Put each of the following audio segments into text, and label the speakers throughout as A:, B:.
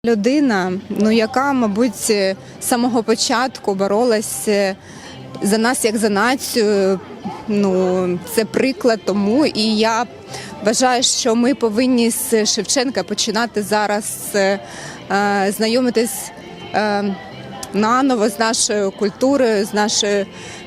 A: Людина, яка, мабуть, з самого початку боролась за нас як за націю, це приклад тому. І я вважаю, що ми повинні з Шевченка починати зараз знайомитись наново з нашою культурою, з нашою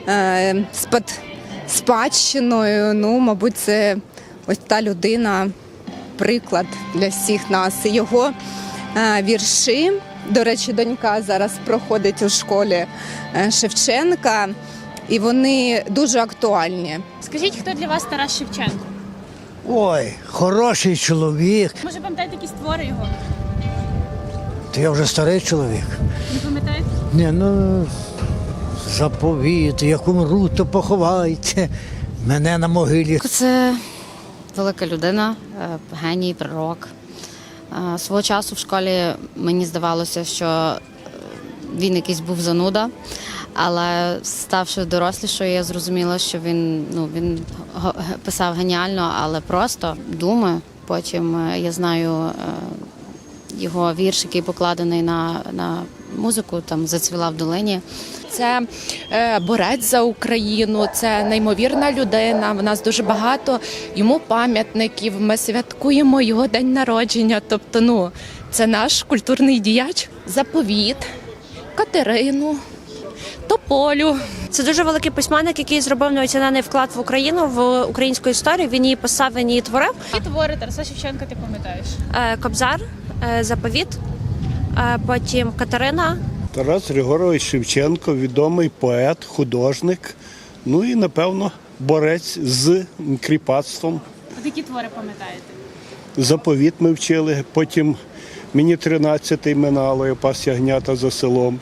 A: спадщиною. Мабуть, це ось та людина, приклад для всіх нас. Його вірші, до речі, донька зараз проходить у школі Шевченка, і вони дуже актуальні.
B: Скажіть, хто для вас Тарас Шевченко?
C: Ой, хороший чоловік.
B: Може, пам'ятаєте якісь твори його?
C: То я вже старий чоловік.
B: Не пам'ятаєте?
C: Ні, заповіт, як умру, то поховайте мене на могилі.
D: Це велика людина, геній, пророк. Свого часу в школі мені здавалося, що він якийсь був зануда, але ставши дорослішою, я зрозуміла, що він писав геніально, але просто думи. Потім я знаю його вірш, який покладений на музику, там «Зацвіла в долині».
E: Це борець за Україну, це неймовірна людина, в нас дуже багато йому пам'ятників, ми святкуємо його день народження, тобто, це наш культурний діяч. Заповіт, Катерину, Тополю.
F: Це дуже великий письменник, який зробив неоцінений вклад в Україну, в українську історію. Він її писав, він її творив.
B: Які твори Тараса Шевченка ти пам'ятаєш?
F: Кобзар, Заповіт, потім Катерина.
G: Тарас Григорович Шевченко – відомий поет, художник, і, напевно, борець з кріпацтвом.
B: От які твори пам'ятаєте?
G: Заповіт ми вчили, потім мені 13-й минало, я пас ягнята за селом.